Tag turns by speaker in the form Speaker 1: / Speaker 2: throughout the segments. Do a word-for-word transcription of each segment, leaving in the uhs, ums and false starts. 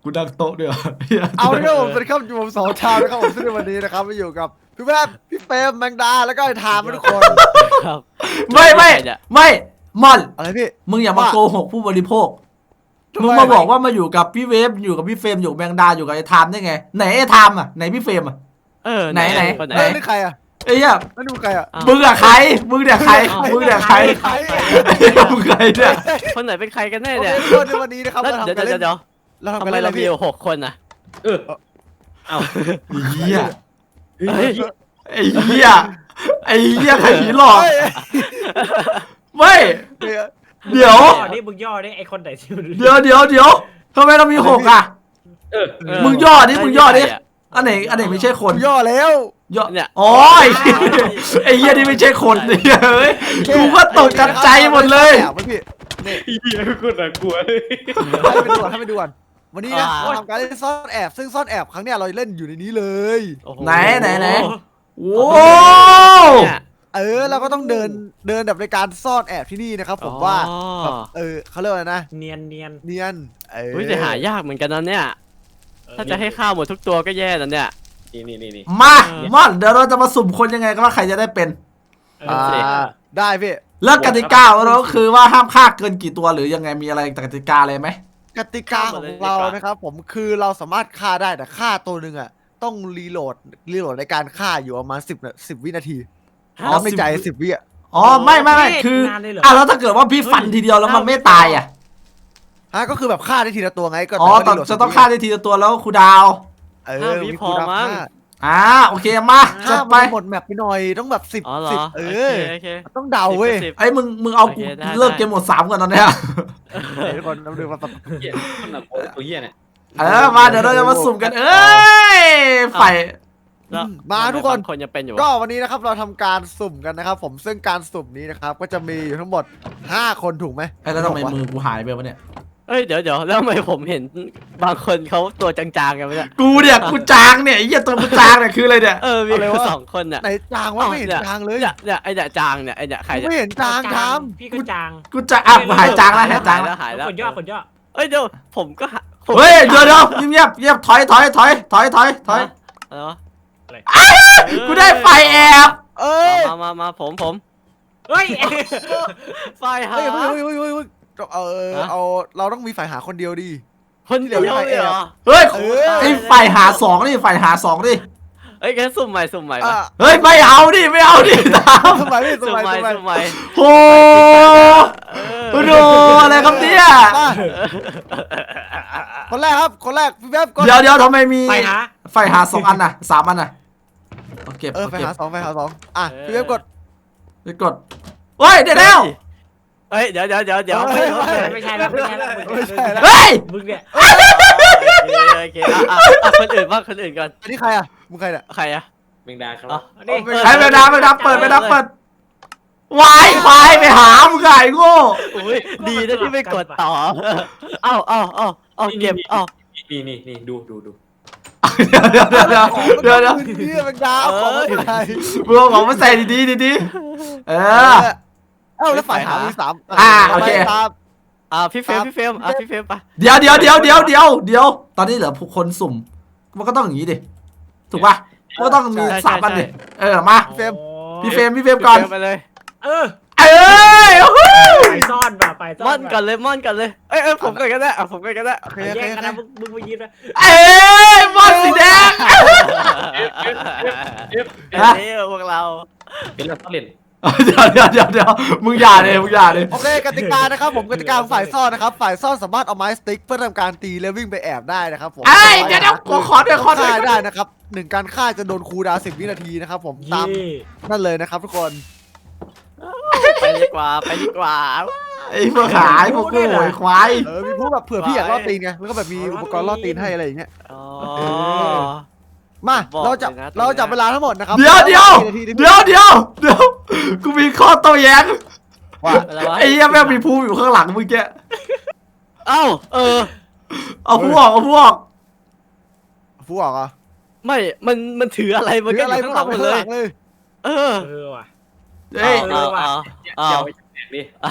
Speaker 1: กูดังโต๊ะด้วย
Speaker 2: เอาเลยครับผมสวัสดีครับอยู่ผมสองชาวนะครับผมซึ่งในวันนี้นะครับมาอยู่กับพี่แวบพี่เฟรมแมงดาแล้วก็ไอ้ทามทุกคน
Speaker 3: ครับ
Speaker 1: ไม่ไม่ไม่มอน
Speaker 2: อะไรพี่
Speaker 1: มึงอย่ามาโกหกผู้บริโภค
Speaker 2: ทำไม
Speaker 1: มึงมาบอกว่ามาอยู่กับพี่เวฟอยู่กับพี่เฟรมอยู่กับแมงดาอยู่กับไอ้ไทม์ได้ไงไหนไอ้ไทม์อ่ะไหนพี่เฟรมอ่ะ
Speaker 3: เออ
Speaker 1: ไหนไหน
Speaker 3: คนไหน
Speaker 2: เอ้ยนี่ใครอ่ะ
Speaker 1: ไอ้เหี้ย
Speaker 2: นั่นดูใครอ่ะ
Speaker 3: อ้าว
Speaker 1: มึงอะใครมึงเนี่ยใครมึงเนี่ยใคร
Speaker 2: ใคร
Speaker 1: ไอ้เหี้ยมึงใครเนี่ย
Speaker 3: คนไหนเป็นใครกันแน่
Speaker 2: โอเค
Speaker 3: เนี่ย
Speaker 2: ทุกคนในวันนี้นะครับ
Speaker 3: แล้ว
Speaker 2: เรา
Speaker 3: เดี๋ยว
Speaker 2: ทำการ
Speaker 3: เดี๋
Speaker 2: เล่
Speaker 3: ยวน เดี๋ยว
Speaker 2: เราทำ
Speaker 3: ทำ
Speaker 2: การ
Speaker 3: ไม
Speaker 2: เล่นอะไร
Speaker 3: เรามี
Speaker 2: พี่
Speaker 3: อยู่หกคนอ่ะ
Speaker 4: เออเอา
Speaker 1: ไอ้เหี้ย
Speaker 3: เฮ้ย
Speaker 1: ไอ้เหี้ยไอ้เหี้ยใครผีหลอก
Speaker 2: เฮ้ย
Speaker 1: ไม่
Speaker 2: เฮ้ย
Speaker 1: เดี๋ยว
Speaker 4: ย่อนี่มึงย่อนี่ไอคนไหนที่มัน
Speaker 1: เดี๋ยวเดี๋ยวเดี๋ยวทำไมเรามีหกอ่ะ
Speaker 4: เออ
Speaker 3: เออ
Speaker 1: มึงย่อดิมึงย่อดิ
Speaker 3: ใครอะ
Speaker 1: อันไหนอันไหนไม่ใช่คน
Speaker 2: ย่อแล้ว
Speaker 1: ย่อ
Speaker 3: เนี่ย
Speaker 1: อ๋อไอ้เหี้ยไอ้เหี้ยนี่ไม่ใช่คนเนี่ยเฮ้ยกูก็ตกกระใจหมดเลย
Speaker 2: แอบไว้พี่นี่
Speaker 4: เฮียคนน่ากลัวเลย
Speaker 2: ให้ไปดูก่อนให้ไปดูก่อนวันนี้นะเราทำการเล่นซ่อนแอบซึ่งซ่อนแอบครั้งเนี้ยเราเล่นอยู่ในนี้เลย
Speaker 3: โอ้โ
Speaker 1: ไหนไหนไหน โอ้
Speaker 3: เนี่ย
Speaker 2: เออเราก็ต้องเดินเดินแบบในการซ่อนแอบที่นี่นะครับผมว่า
Speaker 3: อ๋อ
Speaker 2: แบบเออเขาเรียกว่าอะไรนะ
Speaker 4: เนียนเนียน
Speaker 2: เนียนเออ
Speaker 3: เฮ้ยแต่หายากเหมือนกันนะเนี่ย ถ้าจะให้ข้าวหมดทุกตัวก็แย่แล้วเนี่ย
Speaker 4: นี่นี่นี่นี่
Speaker 1: มาม่อนเดี๋ยวเราจะมาสุ่มคนยังไงก็ว่าใครจะได้เป็น
Speaker 2: อ่าได้พี่
Speaker 1: แล้วกติกาของเราก็คือว่าห้ามฆ่าเกินกี่ตัวหรือยังไงมีอะไรกติกาอะไรไหม
Speaker 2: กติกาของเรานะครับผมคือเราสามารถฆ่าได้แต่ฆ่าตัวหนึ่งอ่ะต้องรีโหลดรีโหลดในการฆ่าอยู่ประมาณสิบสิบวินาที
Speaker 1: อ๋อ
Speaker 2: แล้วในใจ
Speaker 1: สิบ
Speaker 2: สิบวิอ่ะ
Speaker 1: อ๋อไม่ไม่ไม่คืออ่ะแล้วถ้าเกิดว่าพี่ฟันทีเดียวแล้วมันไม่ตายอ่ะ
Speaker 2: ฮะก็คือแบบฆ่าได้ทีละตัวไงก็
Speaker 1: อ๋อ
Speaker 2: แต่
Speaker 1: ต้อง
Speaker 2: ว่า
Speaker 1: จะต้องฆ่าได้ทีละตัวแล้วครูดาว
Speaker 2: เออ
Speaker 3: ห้าวิ
Speaker 2: มี
Speaker 3: พอ
Speaker 2: คูลดาวน์
Speaker 3: มั้ง
Speaker 2: ฆ่า
Speaker 1: อ่าโอเคมาจั
Speaker 2: ฆ่า
Speaker 1: ด
Speaker 2: ไป
Speaker 1: ไป
Speaker 2: หมดแมปไปหน่อยต้องแบบสิบ
Speaker 3: อ๋อเหร
Speaker 2: สิบ
Speaker 3: อ
Speaker 2: เอ
Speaker 3: โอ
Speaker 2: อ
Speaker 3: เคโอเค
Speaker 2: ต้องเดาเว้ย
Speaker 3: สิบ
Speaker 1: ไอ้มึงมึงเอากู
Speaker 3: โอเคได้
Speaker 1: เลิก
Speaker 3: ได้
Speaker 1: เกมหมดสามก่อนตอนเนี้ย
Speaker 2: เดี๋ยวทุกคนเราดูมา
Speaker 4: เฮียคนน่ากลัวตัวเฮียเนี่ย
Speaker 1: เออมาเดี๋ยวเราจะมาสุ่มกันเอ้ยไฟ
Speaker 3: แล้ว
Speaker 2: มาทุกคน
Speaker 3: บางคนยังเป็นอยู่
Speaker 2: ก็
Speaker 3: วะ
Speaker 2: วันนี้นะครับเราทำการสุ่มกันนะครับผมซึ่งการสุ่มนี้นะครับก็จะมีอยู่ทั้งหมดห้าคนถูกไหม
Speaker 1: ไอ้แล้วทำไมมือกูหายไปวะเนี่ย
Speaker 3: เอ้ยเดี๋ยวเดี๋ยวแล้วทำไมผมเห็นบางคนเขาตัวจางๆกันไปเนี่ย
Speaker 1: กูเนี่ยกูจางเนี่ยไอ้เหี้ยตัวกูจางเนี่ยคืออะไรเนี่ย
Speaker 3: เออมีแค่สองคนเนี่ย
Speaker 2: ไหนจางวะไม่เห็นจางเลย
Speaker 3: เนี่ยเนี่ยไอ้เนี่ยจางเนี่ยไอ้เนี่ยใครเนี่ย
Speaker 2: ไม่เห็นจางท
Speaker 4: พี่ก็จาง
Speaker 1: กูจะอ่ะกูหายจางแล้วหายจาง
Speaker 3: แล้
Speaker 1: แล้ว
Speaker 3: วหายแล้ว
Speaker 4: คนย่อคนย่อ
Speaker 3: เอ้ยเดี๋ยวผมก็หาผม
Speaker 1: เฮ้ยเดี๋ยวเดี๋ยวเงียบเงียบถอยถอยถอยถอยถอยถอย
Speaker 3: อะไรวะ
Speaker 1: กูได้ไฟแอบ
Speaker 2: ำเอ้ย
Speaker 3: มามามาผมผม
Speaker 4: เฮ้ย
Speaker 3: ไฟหา
Speaker 2: เฮ้ยเฮ้ยเฮ้ยเฮ้ยเฮ้ยเออเอาเราต้องมีฝ่ายหาคนเดียวดี
Speaker 3: คนเดียวเลยเหรอ
Speaker 1: เฮ้ย
Speaker 2: เออ
Speaker 1: ไอ้ไฟหาสองนี่ไฟหาสองดิ
Speaker 3: เอ้ยงั้นสุ่มใหม่สุ่มใหม่
Speaker 2: อ่ะ
Speaker 3: มา
Speaker 1: เฮ้ยไม่เอาดิไม่เอาดิตาม
Speaker 2: สมัยพี่ส
Speaker 3: สุ่ม
Speaker 2: มัย
Speaker 3: ใหม่
Speaker 2: สมัย
Speaker 3: สุ่มใหม่
Speaker 1: โอ้โหดูอะไรครับเนี่ย
Speaker 2: มาคนแรกครับคนแรกพี่แวบก่อน
Speaker 1: เดี๋ยวเดี๋ยวทำไมมี
Speaker 4: ไปหา
Speaker 1: ไฟหาสองอันน่ะสามอันน่ะโอเค
Speaker 2: เออ
Speaker 1: โอ
Speaker 2: ไป
Speaker 1: เค
Speaker 2: หาสองไปหาสองอ่ะพี่แวบกด
Speaker 1: ไปกดเฮ้ยเดี๋ยวแล้ว
Speaker 3: เฮ้ยเดี๋ยวเดี๋ยวเดี๋ยวเดี๋ยว
Speaker 2: เฮ้ย
Speaker 4: ไม่ใช่แล้วไม่ใช่แล้ว
Speaker 2: ไม่ใช่แล้ว
Speaker 1: เฮ้ย
Speaker 4: มึงเนี่ย
Speaker 3: โอเคอ่ะอ่ะอ่ะคนอื่นบ้างคนอื่นก่อน
Speaker 2: อันนี้ใครอ่ะมึงใครเนี่ย
Speaker 3: ใครอะ
Speaker 4: แมงดาครับ
Speaker 3: อ๋อ
Speaker 4: นี่
Speaker 1: ไอ้ไปดับไปดับเปิดไปดับเปิดวายควายไปหามึงไงโง่
Speaker 3: อุ้ยดีนะที่ไม่กดต่อเอ้าเอ้าเอ้าเอาเก็บเอ้า
Speaker 4: นี่นี่นี่ดูดูดู
Speaker 1: เดี๋ยวเดี๋ยวเดี๋ยวเดี๋ยวเดี๋ยวเดี๋ยว
Speaker 2: นี่เป็นดาวของใคร
Speaker 1: มึงเอาของมาใส่ดีๆดีๆเออ
Speaker 2: เอ้าแล้วฝ่ายหามีสาม
Speaker 1: อ่าโอเค
Speaker 2: ตาม
Speaker 3: อ่าพี่เฟรมพี่เฟรมอ่ะพี่เฟรมไป
Speaker 1: เดี๋ยวเดี๋ยวเดี๋ยวเดี๋ยวเดี๋ยวเดี๋ยวตอนนี้เหลือผู้คนสุ่มมันก็ต้องอย่างนี้ดิถูกป่ะมันก็ต้องมีสามอันดิเออมาพี่เฟรมพี่เฟรมก่อน
Speaker 3: ไปเลย
Speaker 4: เออ
Speaker 1: เอ้ย
Speaker 4: ไปซ่อนป่ะไปซ่อน
Speaker 3: ม่อนก่อนเลยม่อนก่อนเลยเอ้ยเอ้ยผมก่อนก็ได้อ่ะผมก่อนก็ได้
Speaker 2: โอเค
Speaker 4: แย
Speaker 2: โอเค
Speaker 4: ก
Speaker 2: โอ
Speaker 4: กัน
Speaker 2: เค
Speaker 4: นะมึงมึงไปยืนนะ
Speaker 1: เอ้ยบอลสีแดง
Speaker 4: เอฟ
Speaker 1: ฮะ
Speaker 3: เอ้ยพวกเรา
Speaker 4: เป็นเราต้องเล่น
Speaker 1: เดี๋ยวเดี๋ยวเดี๋ยวเดี๋ยวมึงอย่าเลยมึงอย่าเลย
Speaker 2: โอเคกติกานะครับผมกติกาของฝ่ายซ่อนนะครับฝ่ายซ่อนสามารถเอาไม้สติ๊กเพื่อทำการตีและวิ่งไปแอบได้นะครับผม
Speaker 1: ไอ้ยเดี๋ยวเดี๋ยวขอขอด้วยขอด้ว
Speaker 2: ฆ่าย ได้นะครับหนึ่งการฆ่าจะโดนคูลดาวน์สิบวินาทีนะครับผมตาม
Speaker 4: เย่
Speaker 2: นั่นเลยนะครับทุกคน
Speaker 3: ไปดีกว่าไปดีกว่า
Speaker 1: ไอ้พวกขายพวกโง่ไอ้ควาย
Speaker 2: เออมีพวกแบบเผื่อพี่อยากล่อตีนไงแล้วก็แบบมีอุปกรณ์ล่อตีนให้อะไรอย่างเงี้ย
Speaker 3: อ๋อ
Speaker 2: มา
Speaker 3: บอก
Speaker 2: เราจับ
Speaker 3: เลยนะ
Speaker 2: เราจับเวลาทั้งหมดนะครับ
Speaker 1: เดี๋ยวเดี๋ยว
Speaker 2: สี่นาที
Speaker 1: เดี๋ยวเดี๋ยวเดี๋ยวกูมีข้อโต้แย้ง
Speaker 2: ว่า
Speaker 3: อะไรวะ
Speaker 1: ไอ้เหี้ยแม่งมีภูอยู่ข้างหลังเมื่อกี้
Speaker 3: เอ้าเออ
Speaker 1: เอาพวกเอาพวก
Speaker 2: ฟูออกอ่ะ
Speaker 3: ไม่มันมันถืออะไรมัน
Speaker 2: หรือ
Speaker 3: ก็
Speaker 2: อะไร
Speaker 3: อยู่ข้างหลังหมดเลย
Speaker 2: เลย
Speaker 3: เออ
Speaker 4: เออว่ะ
Speaker 1: เอ้ย
Speaker 3: เอาเอาเอา
Speaker 4: เดี๋ยวไปแจกดิ
Speaker 3: เอา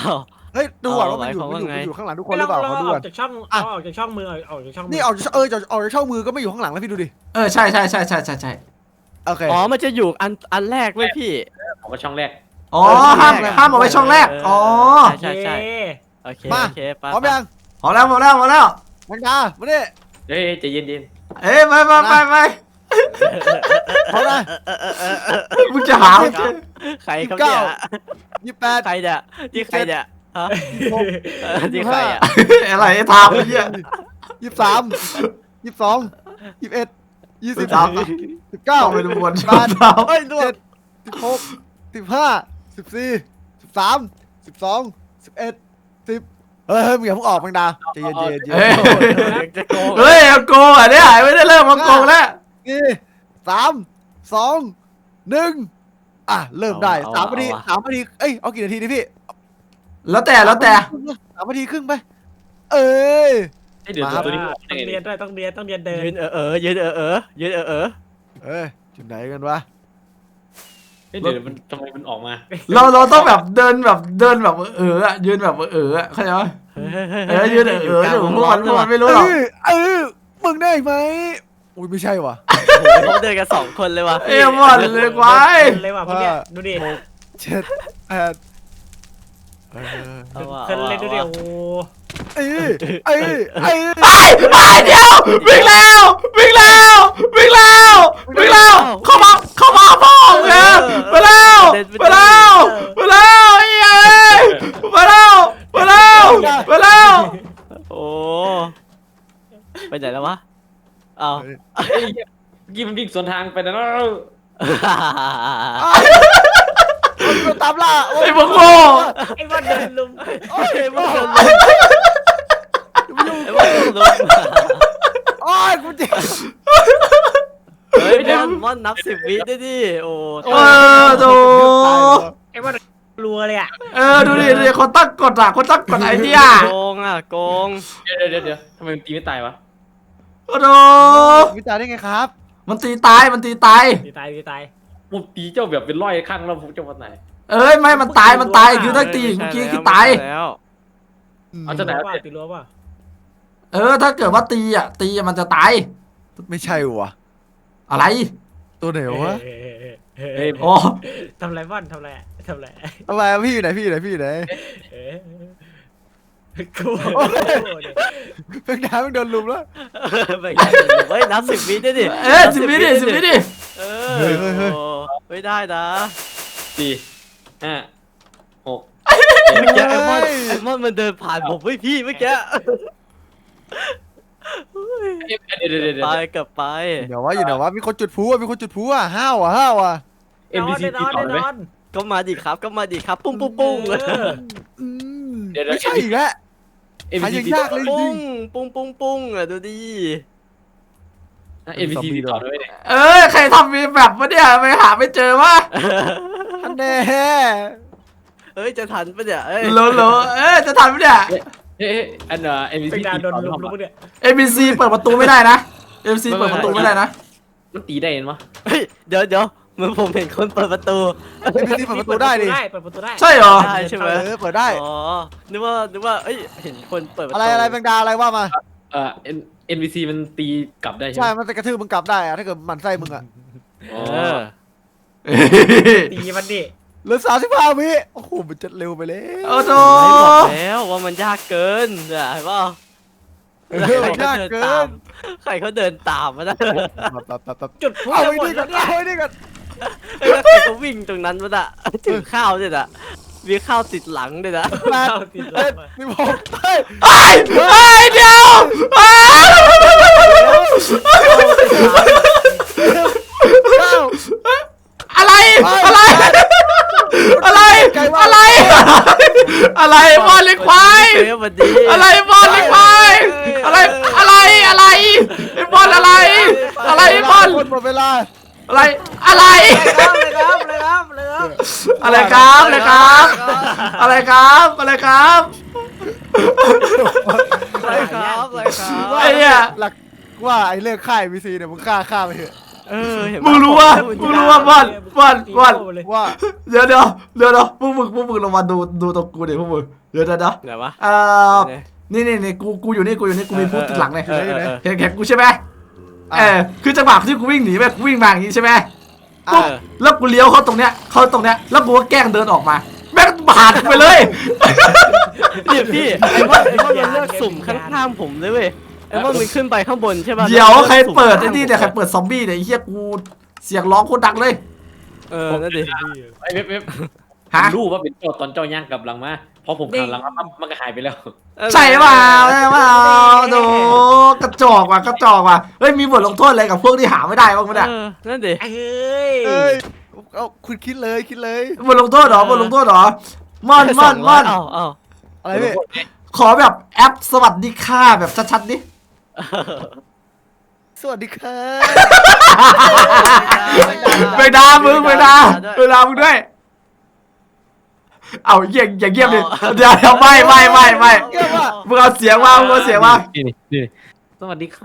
Speaker 2: เฮ้ยดูก่อนว่ามัน
Speaker 3: เอา
Speaker 2: อยู่
Speaker 3: หมาย
Speaker 2: มันอยู่
Speaker 3: ความว่าไง
Speaker 2: มันอยู่ข้างหลังทุกคนหรือเปล่า
Speaker 4: เรา
Speaker 2: ขอดู
Speaker 4: อ
Speaker 2: ก่
Speaker 4: อ
Speaker 2: อน
Speaker 4: กจากช่อง
Speaker 2: อ่ะ
Speaker 4: เอาออกจากช่องมือเอาออกจากช่องมือ
Speaker 2: นี่เอาเออจะเอาจากช่องมือก็ไม่อยู่ข้างหลังแล้วพี่ดูดิ
Speaker 1: เออใช่ใช่ใช่ใช่ใช่ใช่
Speaker 2: โอเค
Speaker 3: อ๋อมันจะอยู่อันอันแรกเว้ยพี่
Speaker 4: ผมก็ช่องแรก
Speaker 1: อ๋อห้ามห้ามเอาไว้ช่องแรกอ๋อ
Speaker 3: ใช่ใช่
Speaker 4: เย้
Speaker 3: โอเค
Speaker 2: มา
Speaker 3: โอเคไป
Speaker 2: พร้อมยัง
Speaker 1: พอแล้วพอแล้วพอแล้ว
Speaker 2: มันกามาดิ
Speaker 4: เฮ้ยใจเย็นเย็น
Speaker 1: เอ้ยไปไปไปไป
Speaker 2: พร้อมนะ
Speaker 1: มึงจะหาไม่เจอ
Speaker 3: ใครครับเนี่ย
Speaker 2: ยี่สิบแปด
Speaker 3: ใครเนี่ยที่ใครเนี่ยฮะเออที่ใครอ่ะ
Speaker 1: อะไรไอ้ทามไอ้เหี้ย
Speaker 2: ยี่สิบสามยี่สิบสองยี่สิบเอ็ดยี่สิบ
Speaker 1: สาม
Speaker 2: สิบเก้า
Speaker 1: เข้าไปดูบน
Speaker 2: แปด
Speaker 1: สาม
Speaker 2: เฮ้ยเจ็ดสิบหกสิบห้าสิบสี่สิบสามสิบสองสิบเอ็ดสิบเฮ้ยเฮ้ยมึงอย่าเพิ่งออกแมงดาใจเย็นใจเย็นใจ
Speaker 1: เฮ้
Speaker 2: เย็
Speaker 1: ย
Speaker 2: น
Speaker 3: จะโกง
Speaker 1: เฮ้ยเอาโกงอ่ะเนี่ยไม่ได้เริ่มมาโกงแล้ว
Speaker 2: นี่สามสองหนึ่งอ่ะเริ่มได้สามนาทีสามนาทีเอ้ยเอากี่นาทีดิพี่
Speaker 1: แล้วแต่แล้วแต่
Speaker 2: สามนาทีครึ่งไปเอ้ย
Speaker 4: ไอ้เดี๋ยว
Speaker 2: มาครับ
Speaker 4: ตัวนี้
Speaker 3: Ờ,
Speaker 4: มัน
Speaker 3: à,
Speaker 4: เป็นยังไง ต้องเรียนด้วยต้องเรียนต้องเรียนเดิน
Speaker 3: ยืนเออเออยืนเออเออยืนเออเออ
Speaker 2: เอ้ยจุดไหนกันวะ
Speaker 4: เฮ้ยเดี๋ยวมันทำไมมันออกมา
Speaker 1: เราเราต้องแบบเดินแบบเดินแบบเอออะยืนแบบเอออะเข้าใจไหมเออยืนเออเอออยู่พวกมันพวกมันไม่รู้หรอก
Speaker 2: เออเออมึงได้ไหมอุ้ยไม่ใช่ว่ะ
Speaker 3: เขาเดินกันสองคนเลยว่ะ
Speaker 1: เอ้ยหมดเลยควาย
Speaker 4: เดินเลยว่ะพวกเนี้ยดูดิ
Speaker 2: เจ็ดแปดเออ
Speaker 3: เอาว่ะ
Speaker 4: เดินเลยดูดิ
Speaker 3: อา
Speaker 4: โอ้
Speaker 3: ว่ะ
Speaker 2: เอ้ยเอ้ยเอ้ย
Speaker 1: ไอ้ไอ้เดียววิ่งแล้ววิ่งแล้ววิ่งแล้ววิ่งแล้วเข้ามาเข้ามาพ่อเงี้ยไปแล้วไปแล้วไปแล้วไอ้เอ้ยไปแล้วไปแล้วไปแล้ว
Speaker 3: โอ้ไปไหนแล้ววะเอา
Speaker 4: เฮ้ยเมื่อกี้มันวิ่งสวนทางไปนะ
Speaker 2: มันตามล่า
Speaker 1: ไอ้พวกโง่
Speaker 4: ไอ้บอลเดินลุม
Speaker 2: โอ้ย
Speaker 3: ไอ้
Speaker 2: ไอ้
Speaker 3: บ้า
Speaker 2: บ้า
Speaker 3: ไอ้บ้าลุม
Speaker 2: โอ้ยกูเจ็บ
Speaker 3: เฮ้ยมอนมอนนับสิบวิได้ดิโอ้
Speaker 1: เออดู
Speaker 4: ไอ้บอลรัวเลยอ่ะ
Speaker 1: เออดูดิดูดิคนตั้งกฎอ่ะคนตั้งกฎไอ้เนี่ย
Speaker 3: โกงอ่ะโกง
Speaker 4: เดี๋ยวเดี๋ยวเดี๋ยวทำไมมันตีไม่ตายวะ
Speaker 1: โอ้โห
Speaker 2: วิจารณ์ได้ไงครับ
Speaker 1: มันตีตายมันตีตาย
Speaker 4: ตีตายตีตายผมตีเจ้าแบบเป็นร้อยครั้งแล้วผมจะวันไหน
Speaker 1: เอ้ยไม่มันตายมันตายคือถ้าตีเมื่อกี้คือตาย
Speaker 3: แล้ว
Speaker 4: เอาจะไหน
Speaker 2: ม
Speaker 4: วะตีรั้วป่ะ
Speaker 1: เออถ้าเกิดว่าตีอ่ะตีอะมันจะตาย
Speaker 2: ไม่ใช่ว่ะ
Speaker 1: อะไร
Speaker 2: ตัวไหนวะ
Speaker 4: เฮ้ย
Speaker 1: โอ้
Speaker 4: ทำไรบอลทำไรทำไร
Speaker 2: ทำไมพี่อยู่ไหนพี่อยู่ไหนพี่อยู่ไหน
Speaker 4: เอ๊ะกู
Speaker 2: เพิ่งน้ำมันโดนลุมแล้ว
Speaker 3: ไปไงเฮ้ยนับสิบวิได้ดิ
Speaker 1: เอ้ยสิบวิดิสิบวิดิ
Speaker 3: เออไม่ได้นะ
Speaker 4: สี่ห้าหก
Speaker 3: เมื่อกี้ไอ้มอนไอ้มอนมันเดินผ่านผมเฮ้ยพี่เมื่อกี้
Speaker 4: เดี๋ยวเดี๋ยวเดี๋ยว
Speaker 3: ไปกลับไป
Speaker 2: เดี๋ยวว่าอยู่ไหนวะมีคนจุดพลุอ่ะมีคนจุดพลุอ่ะห้าวอ่ะห้าวอ่ะ
Speaker 4: เอ็มบีซีนตีอนต่อแน่ไหมนอน
Speaker 3: ก็มาดิครับก็มาดิครับ ปุ้งปุ้งปุ้ง
Speaker 2: อืม
Speaker 4: เดี๋ยวเดี๋ยว
Speaker 2: ไม่ใช่อีกแล้ว
Speaker 4: เอ็ม
Speaker 2: หา
Speaker 4: บี
Speaker 2: ยั
Speaker 4: ซี
Speaker 2: งยากเลย
Speaker 3: ปุ้งปุ้งปุ้งปุ้งอ่ะดูดิ
Speaker 4: เอ็มบีซีตีต่อด้วยเนี่ย
Speaker 1: เอ้ยใครทำมีแบบวะเนี่ยไปหาไม่เจอวะ
Speaker 2: อันแน่
Speaker 3: เอ้ยจะทันปะเนี่ยเอ้ย
Speaker 1: โหลโหลเอ้ยจะทันไหมเนี่ย
Speaker 4: เฮ้ยอันเอ่อเอ็มบี เป็
Speaker 1: Ờ,
Speaker 4: นซีดาตี โดนต่อลุมทำลุมไมเนี่ย
Speaker 1: เอ็มบีซีเปิดประตูไม่ได้นะเอ็มบีซีเปิดประตูไม่ได้นะ
Speaker 4: มันตีได้เห็นปะ
Speaker 3: เฮ้ยเดี๋ยวเดี๋ยวเหมือนผมเห็นคนเปิดประตู
Speaker 2: ไอ้พี่ที่เปิดประตูได้ดิ
Speaker 4: เปิดประตูได้
Speaker 1: ใช่เหรอ
Speaker 3: ได้ใช่ไหม
Speaker 2: เออเปิดได้
Speaker 3: อ๋อนึกว่านึกว่าเอ้ยเห็นคนเปิดประตู
Speaker 2: อะไรอะไรแมงดาอะไรว่ามา
Speaker 4: เอ่อเอ็นเอ็นบีซีมันตีกลับได้ใช่
Speaker 2: ใช่
Speaker 4: ไหม
Speaker 2: มันจะกระทืบมึงกลับได้อะถ้าเกิดหมันไส้มึงอะ
Speaker 4: อ๋อ
Speaker 3: เออ
Speaker 4: ตีมันดิ
Speaker 2: เหลือสามสิบห้าวิโอ้โหมันจะเร็วไปแล้ว
Speaker 1: โอ้โห
Speaker 3: ไม่บอกแล้วว่ามันยากเกินเนี่ยเห็นป่ะ
Speaker 2: เออมันยากเกิน
Speaker 3: ใครเขาเดินตามมานะ
Speaker 2: แบบแบบแบบแบบ
Speaker 4: จุดพลุ
Speaker 2: เอา
Speaker 4: จะ
Speaker 2: ไว้
Speaker 4: หมด
Speaker 2: นี่ก่
Speaker 4: แล้
Speaker 2: อน
Speaker 4: วเนี่ย
Speaker 2: เอาไว้นี่ก่อน
Speaker 3: เอ้ยแล้วใครเขาวิ่งตรงนั้นวะน่ะถึงข้าวด้วยน่ะมีข้าวติดหลังด้วยนะ
Speaker 2: แปด
Speaker 4: เอาติด
Speaker 2: เจ็ด
Speaker 4: มา
Speaker 2: สิบหกเฮ้ย
Speaker 1: ไอ้ไอ้เดียวอ้า
Speaker 2: เก้า
Speaker 1: อะไรอะไรอะไรอะไรอะไรบอลเล็กควาย
Speaker 3: เฮ้ยวันดี
Speaker 1: อะไรบอลเล็กควายอะไรอะไรอะไรไอ้บอลอะไรอะไรบอล
Speaker 2: คนหมดเวลา
Speaker 1: อะไรอะไร
Speaker 4: เลยครับเลยครับเลยครับ
Speaker 1: อะไรครับอะไรครับอะไรครับอะไรครับ
Speaker 3: อะไรครับอะไรครับ
Speaker 1: ไอ้เนี่ย
Speaker 2: หลักว่าไอ้เรื่องค่ายวีซีเนี่ยมึงฆ่าฆ่าไปเถอะ
Speaker 3: เออเห็นปะ
Speaker 1: มึงรู้ว่ามึงรู้ว่าบอลบอลบอล
Speaker 2: ว่า
Speaker 1: เดี๋ยวเดี๋ยวเดี๋ยวเดี๋ยวพวกมึงพวกมึงลงมาดูดูตรงกูดิพวกมึงเดี๋ยวเดี๋ยวเดี๋ยว
Speaker 3: ไหนวะ
Speaker 1: เอ่อนี่นี่นี่กูกูอยู่นี่กูอยู่นี่กูมีพูดติดหลังเลย
Speaker 3: เออเออเออ
Speaker 1: เห็นแขนกูใช่ไหมเออคือจังหวะที่กูวิ่งหนีไปกูวิ่งมาอย่างนี้ใช่ไหม
Speaker 3: เอ
Speaker 1: ปุ๊บ
Speaker 3: อ
Speaker 1: แล้วกูเลี้ยวเข้าตรงเนี้ยเข้าตรงเนี้ยแล้วกูก็แกล้งเดินออกมาแม่งบาดไปเลย
Speaker 3: เนี่ยพี่ไอ้ว่าไอ้ว่ามันเลือกสุ่มข้างๆผมเลยเว้ยไอ้ว่ามันขึ้นไปข้างบนใช่ป่ะ
Speaker 1: เดี๋ยวใครเปิดไอ้นี่เนี่ยใครเปิดซอมบี้เนี่ยไอ้เหี้ยกูเสียงร้องโคตรดังเลย
Speaker 3: เออนั่นดิ
Speaker 4: ไอ้เว็บเว็บ
Speaker 1: ฮะ
Speaker 4: รู้ว่าเป็นเจ้าตอนเจ้าย่างกลับหลังมาพอผมขับหลังมาปั๊บมันก็หายไปแล้ว
Speaker 1: ใช่เปล่าใช่เปล่าดูกระจอกว่ะกระจอกว่ะเฮ้ยมีบทลงโทษอะไรกับพวกที่หาไม่ได้บ้างไหมเนี่ย
Speaker 3: เออนั่นดิ
Speaker 5: เอ้ย
Speaker 2: เอ้ยเอาคุณคิดเลยคิดเลย
Speaker 1: บทลงโทษเหรอบทลงโทษเหรอม่อนม่อนม่อน
Speaker 3: เอ้าเอ้า
Speaker 2: อะไรพี่
Speaker 1: ขอแบบแอปสวัสดีค่ะแบบชัดๆดิ
Speaker 2: สวัสดีครับ
Speaker 1: ไปดามึงไปดาไปดามึงด้วยเอาเยี่ยงอย่าเยี่ยมดิเดี๋ยวเดี๋ยวไม่ไม่ไม่ไม่
Speaker 2: เยี่ยมว่ะ
Speaker 1: มึงเอาเสียงมามึงเอาเสียงมา
Speaker 4: นี่นี่นี่สวัสดีค่ะ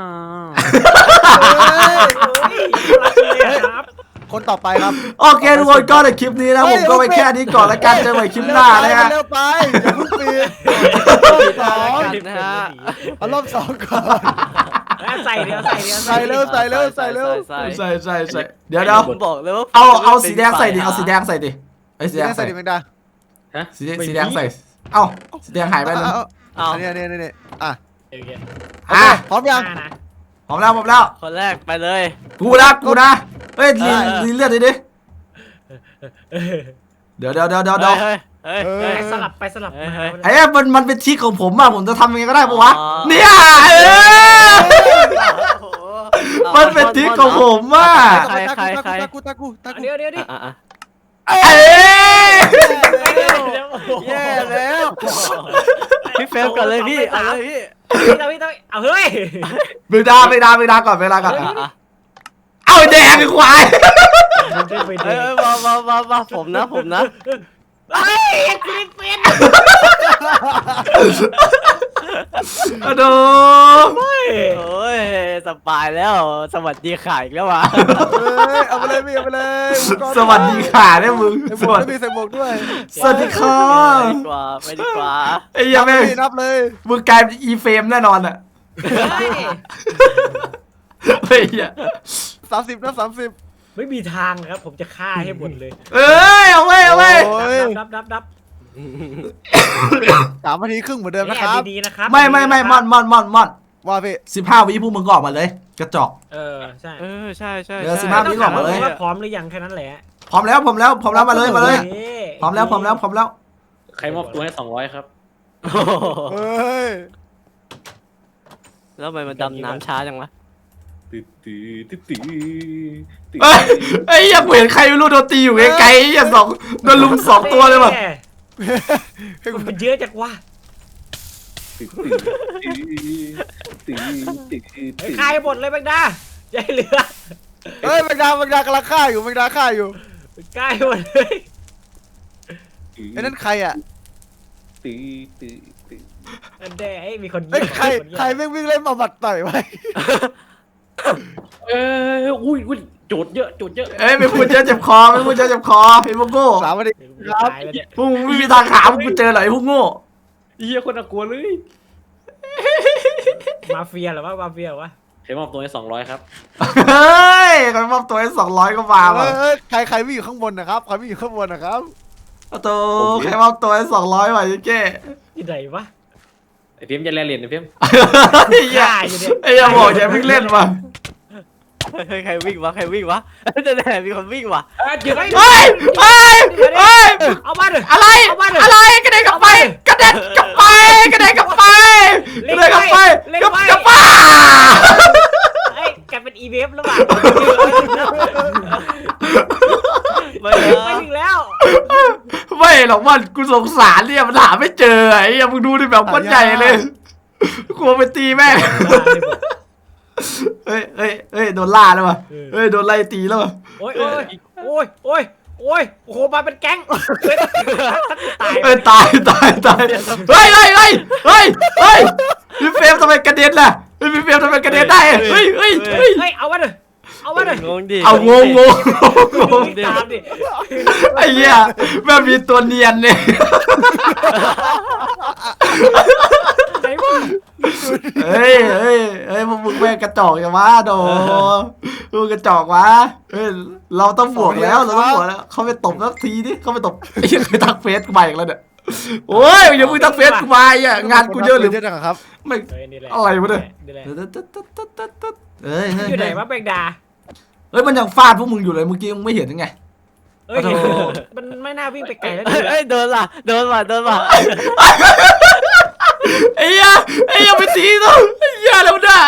Speaker 5: รักเลยครับ
Speaker 2: คนต่อไปครับ
Speaker 1: โอเคทุกคนก็ในคลิปนี้นะผมก็ไปแค่นี้ก่อนแล้วกันเจอกันใหม่คลิปหน้านะฮะ
Speaker 2: เร็วไปอย่าเพิ่งปิดรอบสอง
Speaker 3: นะฮะ
Speaker 2: เอารอบสองก่อน
Speaker 5: ใส่เดียวใส่เดียว
Speaker 2: ใส่เร็วใส่เร็วใส่เร็ว
Speaker 3: ใส่
Speaker 1: ใส่ใส่ใส่เดี๋ยวเดี๋ยว
Speaker 3: ผมบอกเลยว่า
Speaker 1: เอาเอาสีแดงใส่ดิเอาสีแดงใส่ดิไอ้สี
Speaker 2: สี
Speaker 1: แด
Speaker 2: แด
Speaker 1: ง
Speaker 2: ง
Speaker 1: ใส่
Speaker 2: ใส่ดิแมงดา
Speaker 4: ฮะ
Speaker 1: สีแดงสีแดงใส่เอ้าสีแดงหายไปเลย
Speaker 2: เอา
Speaker 3: เอา
Speaker 2: อันนี้อันนี้อันนี้อ่ะ
Speaker 5: โอเค
Speaker 1: อ่ะ
Speaker 2: พร้อมยัง
Speaker 5: ห้านะ
Speaker 1: พร้อมแล้วพร้อมแล้ว
Speaker 3: คนแรกไปเลย
Speaker 1: กูนะกูนะเฮ้ยลี
Speaker 3: เออเออ
Speaker 1: ลีเลือดดิดิเดี๋ยวเดี๋ยวเดี๋ยวเดี๋ยวเดี๋ยว
Speaker 3: เฮ้ยเฮ้ยเฮ้ย
Speaker 5: ไปสลับไปสลับมา
Speaker 3: เฮ้ย
Speaker 1: ไอ้เนี่ยมันมันเป็นทริคของผมอะผมจะทำยังไงก็ได้ปะวะ
Speaker 3: อ๋อ
Speaker 1: เนี่ยเออ มันเป็นทริคของผมอะ
Speaker 3: ใครใครใคร
Speaker 2: ตากูตากูตากู
Speaker 5: เดี๋ยวเดี๋ยวดิ
Speaker 3: อ่ะอ่ะ
Speaker 1: เอ้ย
Speaker 2: แย่แล้ว
Speaker 3: พี่เฟรมก่อนเลยพี่เอาเลยพี่
Speaker 5: พี่ต้องพี่ต้องเอาเฮ้ย
Speaker 1: เวลาเวลาเวลาก่อนเวลาก่อน
Speaker 3: อ่ะอ่ะ
Speaker 1: เอาไอ้แดงไอ้ควาย
Speaker 5: มันจะไป
Speaker 3: เอ้
Speaker 5: ดู
Speaker 3: ยมามามามาผมนะผมนะ
Speaker 5: เฮ้ยกูไม่เป็น
Speaker 1: อะโด
Speaker 3: โอ้ยสบายแล้วสวัสดีข่ายอีกแล้ววะ
Speaker 2: เอ้ยเอาไปเลยพี่เอาไปเลย
Speaker 1: สวัสดีค่ะเนี่ยมึง
Speaker 2: ใส่
Speaker 1: ส
Speaker 2: หมว
Speaker 1: วั
Speaker 2: ก
Speaker 1: ส
Speaker 2: ด้วย
Speaker 1: ดี
Speaker 2: พี่ใส่หมวกด้วย
Speaker 1: สวัสดีค่ะ
Speaker 3: ไปดีกว่าไปดีกว่า
Speaker 1: ไอ้เหี้ยัง
Speaker 2: นั
Speaker 1: ไม่
Speaker 2: บเลยนับเลย
Speaker 1: มึงกลายเป็นอีเฟมแน่นอนอะ
Speaker 5: เฮ้ย
Speaker 1: ไอ้เหี้ย
Speaker 2: สามสิบนับสามสิบ
Speaker 5: ไม่มีทางครับผมจะฆ่าให้หมดเลย
Speaker 1: เอ้ยเอาไว้เอาไว้
Speaker 2: โอ้ย
Speaker 5: ดับดับดับ
Speaker 2: สามนาทีครึ่งเหมือนเดิม
Speaker 5: แม่
Speaker 2: นะครับ
Speaker 5: ดีๆนะครับ
Speaker 1: ไม่ไม่ไม่มอนมอนมอนมอน
Speaker 2: ว่าพี่
Speaker 1: สิบห้าวิพวกมึงก็ออกมาเลย กระจอก
Speaker 5: เออใช่
Speaker 3: เออใช่ใช่
Speaker 1: เดี๋ยว
Speaker 3: ใช่
Speaker 1: สิบห้า
Speaker 5: ต้องถามว่าพร้อมหรือยังแค่นั้นแหละ
Speaker 1: พร้อมแล้วพร้อมแล้วพร้อมแล้วมาเลยมาเลย
Speaker 5: โอค
Speaker 1: พร้อมแล้วพร้อมแล้วพร้อมแล้ว
Speaker 4: ใครมอบตัวให้สองร้อยครับ
Speaker 3: โอ้โห
Speaker 2: เฮ้ย
Speaker 3: แล้วทำไมมันดำน้ำช้าจังวะ
Speaker 4: ตื้อตื้อตื้อตื้อตื้อ
Speaker 1: เอ้ยไอ้เหี้ยังเห็นใครไม่รู้โดนตีอยู่ไกลๆไอ้เหี้ยังสองโดนลุมสองตัวเลยว่ะ
Speaker 5: แม่มันเยอะจังวะ
Speaker 4: ตื้อตื้อตื้อตื้อตื้อ
Speaker 5: ไอ้คายหมดเลยแบงดาใจเหลือ
Speaker 2: เฮ้ยแมงดาแมงดากำลังฆ่าอยู่แมงดาฆ่าอยู่
Speaker 5: ใกล้หมดเลย
Speaker 2: ไอ้นั่นใครอ่ะ
Speaker 4: ตื้อตื้อตื้อ
Speaker 5: อันเดไอ้มีคนยิง
Speaker 2: เฮ้ยใคร
Speaker 5: นยิง
Speaker 2: ใครแม่งวิ่งเล่นมาบัดต่อยไว้
Speaker 4: เอ้ยอุ้ยอุ้ยโจทย์เยอะโจทย์เยอะ
Speaker 1: เอ้ยไม่พูดเจอเจ็บคอไม่พูดเจอเจ็บคอไอ้พวกโง่
Speaker 2: สามนาที
Speaker 5: กูตายแล้วเนี่ย
Speaker 1: พวกมึงไม่มีทางหามึงกูเจอหรอกไอ้พวกโง่
Speaker 4: เฮียคนน่ากลัวเลย
Speaker 5: มาเฟียเหรอวะมาเฟียเหรอวะ
Speaker 4: ใครมอบตัวให้สองร้อยครับ
Speaker 1: เฮ้ยใครมอบตัวให้สองร้อยก็มา
Speaker 2: เอ
Speaker 1: ว่ะ
Speaker 2: อเอ้ยใครใครวิ่งอยู่ข้างบนนะครับใครวิ่งอยู่ข้างบนนะครับ
Speaker 1: เอาตัวใครมอบตัวให้สองร้อยว่ะยิ่งเก้
Speaker 5: ที่ไหนวะ
Speaker 4: ไอ้เพียมจะแลเหรียญไอ้เพียม
Speaker 1: ไอ้เหี้ย
Speaker 5: ฆ่าอยู่เนี่ย
Speaker 1: ไอ้เหี้ยบอกอย่าเพิ่งเล่นว่ะ
Speaker 3: เฮ้ยใครวิ่งวะใครวิ่งวะจะแน่มีคนวิ่งวะ
Speaker 5: เอ้ยเดี๋ยว
Speaker 1: เฮ้ยเฮ้ยเฮ้ย
Speaker 5: เอามาเลย
Speaker 1: อะไร
Speaker 5: เอามาเลย
Speaker 1: อะไรกระเด็นกลับไปกระเด็นกลับไปกระเด็นกลับไปกระเด็นกลับไปกลับกลับไป
Speaker 5: เอ้ยกลายเป็นอีเวฟแล้วว่ะ
Speaker 3: ไม่
Speaker 5: ไม่ถึงแล้ว
Speaker 1: ไม่หรอกมันกูสงสารเนี่ยมันหาไม่เจอไอ้เหี้ยมึงดูดิแบบคนใหญ่เลยกลัวไปตีแม่งเฮ้ยเฮ้ยเฮ้ยโดนล่าแล้วว่ะเฮ้ยโดนไล่ตีแล้วว่ะ
Speaker 5: โอ้ยโอ้ยโอ้ยโอ้ยโอ้ยโอ้โหมาเป็นแก๊งเฮ้ยตาย
Speaker 1: เฮ้ยตายตายตายเฮ้ยเฮ้ยเฮ้ยเฮ้ยเฮ้ยพี่เฟรมทำไมกระเด็นล่ะเฮ้ยพี่เฟรมทำไมกระเด็นได้เฮ้ยเฮ้ยเฮ้ย
Speaker 5: เฮ้ยเอามาเลยเอามาเลย
Speaker 3: งงดิ
Speaker 1: เอางงงงงง
Speaker 5: ตามดิ
Speaker 1: ไอ้เหี้ยแม่งมีตัวเนียนเนี่ย
Speaker 5: ไหนวะ
Speaker 1: เฮ้ยเฮ้ยเฮ้ยพวกมึงแม่งกระจอกอย่างวะโดมึงกระจอกวะเฮ้ยเราต้องบวกแล้วเราต้องบวกแล้วเขาไปตบสักทีดิเขาไปตบไอ้เหี้ยเคยทักเฟซกูมาอีกแล้วเนี่ยโอ้ยอย่ามึงทักเฟซกูมาอ่ะงานกูเยอะหรือ
Speaker 2: เยอะจังครับ
Speaker 1: ไม่
Speaker 5: เฮ้ยนี่แหละ
Speaker 1: อะไรวะเนี่ย
Speaker 5: นี่แหละ
Speaker 1: เฮ้ยเฮ้ย
Speaker 5: อยู่ไหนวะแบงดา
Speaker 1: เฮ้ยมันยังฟาดพวกมึงอยู่เลยเมื่อกี้มึงไม่เห็นยังไง
Speaker 5: เอ้ย
Speaker 1: โอ้โห
Speaker 5: มันไม่น่าวิ่งไปไกลแล้ว
Speaker 3: เอ้ยเอ้ยโดนว่ะโดนว่ะโดนว่ะ
Speaker 1: ไอ้เหี้ยไอ้เหี้ยไปตีต้องไอ้เหี้ยแล้วนะ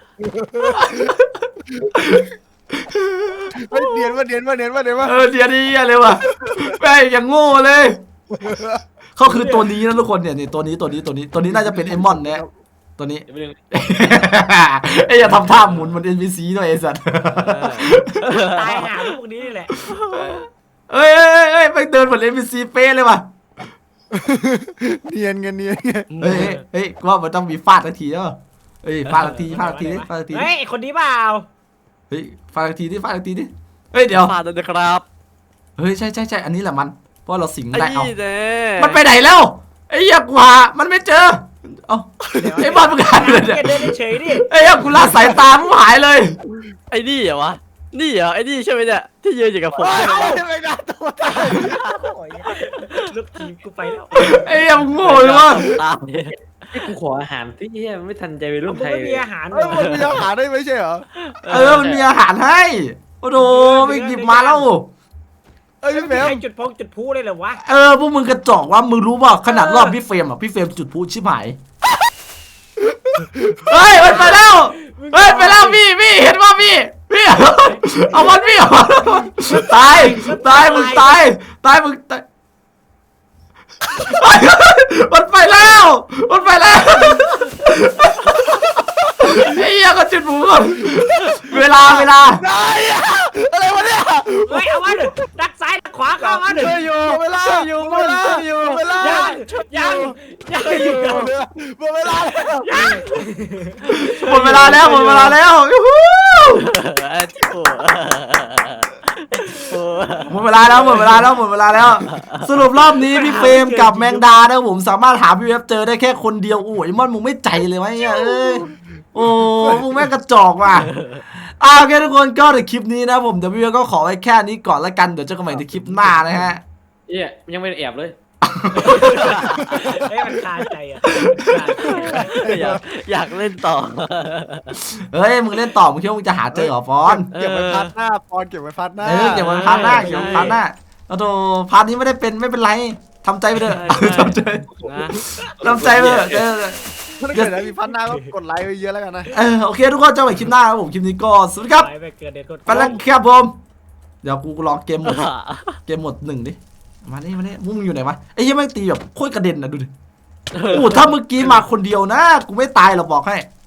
Speaker 2: เฮ้ยเนียนว่าเนียนว่าเนียนว่าเนียนว่า
Speaker 1: เออเดี๋ยวนี้เหี้ยเลยว่ะแม่งอย่างโง่เลยเขาคือตัวนี้นะทุกคนเนี่ยนี่ตัวนี้ตัวนี้ตัวนี้ตัวนี้น่าจะเป็นเอมอนเนี่ยตัวนี้
Speaker 4: เรื่อง
Speaker 1: ไอ้อย่าทำท่าหมุนเหมันเอ็นพีซีหน่อยไอ้สัตว์
Speaker 5: ตายหาพวกนี้นี่แหละ
Speaker 1: เอ้ยเอ้ยเอ้ยไปเดินเหมือนเอ็นพีซีเป๊ะเลยว่ะ
Speaker 2: เนียนกันเนียนไง
Speaker 1: เฮ้ยเฮ้ยเฮ้ยกูว่ามันต้องมีฟาดทันทีแล้วเฮ้ยฟาดทันทีฟาดทันทีดิฟาดทันทีดิ
Speaker 5: เฮ้ยไอ้คนนี้เปล่า
Speaker 1: เฮ้ยฟาดทันทีดิฟาดทันทีดิเฮ้ยเดี๋ยว
Speaker 3: ฟาดเลยนะครับ
Speaker 1: เฮ้ยใช่ใช่ใช่อันนี้แหละมันเพราะเราสิง
Speaker 3: ไอ้
Speaker 1: ได้เอา
Speaker 3: นี่เน่
Speaker 1: มันไปไหนแล้วไอ้เหี้ยกูหามันไม่เจอเอ้าไอ้บอลมึงหายไปเลยเนี่ย
Speaker 5: แกเดินเฉยๆดิ
Speaker 1: ไอ้เหี้ยกูละสายตามึงหายเลย
Speaker 3: ไอ้นี่เหรอวะนี่เหรอไอ้นี่ใช่ไหมเนี่ยที่ยืนอยู่กับผม
Speaker 2: เฮ้ย
Speaker 3: ใช่ไหม
Speaker 2: ไม่ได้ตัวตาย
Speaker 5: ลูกทีมกูไปแล้ว
Speaker 1: ไอ้เหี้ยมึงโง่เลยวะ
Speaker 3: ตาม
Speaker 4: ที่กูขออาหารที่เฮียไม่ทันใจไปรุ่น
Speaker 5: มึง
Speaker 4: ไทย
Speaker 5: ไม่มีอาหารเหร
Speaker 2: เฮ้ย
Speaker 5: อ
Speaker 2: มันมีอาหารได้ไม่ใช่เหรอ
Speaker 1: เออมันมีอาหารให้โอ้โหไม่หยิบมาแล้ว
Speaker 2: เอ้ยพี่แมว
Speaker 5: ให้จุดพงจุดพูเลยเหรอวะ
Speaker 1: เออพวกมึงกระจอกว่ามึงรู้ป่ะขนาดรอบพี่เฟรมอ่ะพี่เฟรมจุดพลุชิบหายเฮ้ยมันไปแล้วเฮ้ยไปแล้วพี่พี่เห็นว่าพี่พี่เอามันพี่เอามันตายตายมึงตายตายมึงตายมันไปแล้วมันไปแล้วไอ้เหี้ยก็จุดพลุก่อนเวลาเวลา
Speaker 2: ได้อะอะไรวะเนี่ย
Speaker 5: เฮ้ยเอามาดิดักซ้ายดักขวาเข้ามาดิ
Speaker 3: ช่วยอยู่
Speaker 2: หมดเวลา
Speaker 3: ช่วยอยู่
Speaker 2: หมดเวลา
Speaker 3: ช่วยอยู่
Speaker 2: หมดเวลา
Speaker 5: ยังยังยังอยู่
Speaker 2: หมดเวลาแล้ว
Speaker 1: หมดเวลาแล้วหมดเวลาแล้วยูฮู
Speaker 3: เออโอ้โห
Speaker 1: หมดเวลาแล้วหมดเวลาแล้วหมดเวลาแล้ว สรุปรอบนี้พี่เฟรมกับแมงดานะผมสามารถหาพี่เวฟเจอได้แค่คนเดียวโอ้ยมอนมึงไม่ใจเลยวะเนี่ยเอ้ยโอ้มึงแม่งกระจอกว่ะอ่าโอเคทุกคนก็ในคลิปนี้นะผมเดี๋ยวพี่เวฟก็ขอไว้แค่นี้ก่อนละกันเดี๋ยวเจอกันใหม่ในคลิปหน้านะฮะ
Speaker 4: เฮียยังไม่ได้แอบเลย
Speaker 5: เฮ้ยมันคาใจอ่ะ
Speaker 3: อยากอยากเล่นต่อ
Speaker 1: เฮ้ยมึงเล่นต่อมึงคิดว่ามึงจะหาเจอเหรอฟอน
Speaker 2: เก็บไว้พัดหน้าปอนเก็บไว้พัดหน้า
Speaker 1: เออเก็บไว้พาร์ทหน้าเก็บไว้พาร์ทหน้าเอาโถพาร์ทนี้ไม่ได้เป็นไม่เป็นไรทำใจไปเถอะทำใจ
Speaker 3: นะ
Speaker 1: ทำใจไปเถอะเออ
Speaker 2: ถ้าเกิดอะไรมีพัดหน้าก็กดไลค์ไปเยอะแล้วกันนะ
Speaker 1: เออโอเคทุกคนเจอกันใหม่คลิปหน้าครับผมคลิปนี้ก็สวัสดีครับ
Speaker 5: ไปไปเกิดเด็ดกด
Speaker 1: ไปแล้วครับผมเดี๋ยวกูลองเกมหมดเกมหมดหนึ่งดิมานี่มานี่มึงอยู่ไหนวะไอ้เหี้ยังไม่งตีแบบโคตรกระเด็นนะดูดิโอ้ถ้าเมื่อกี้มาคนเดียวนะกูไม่ตายหรอกบอกให้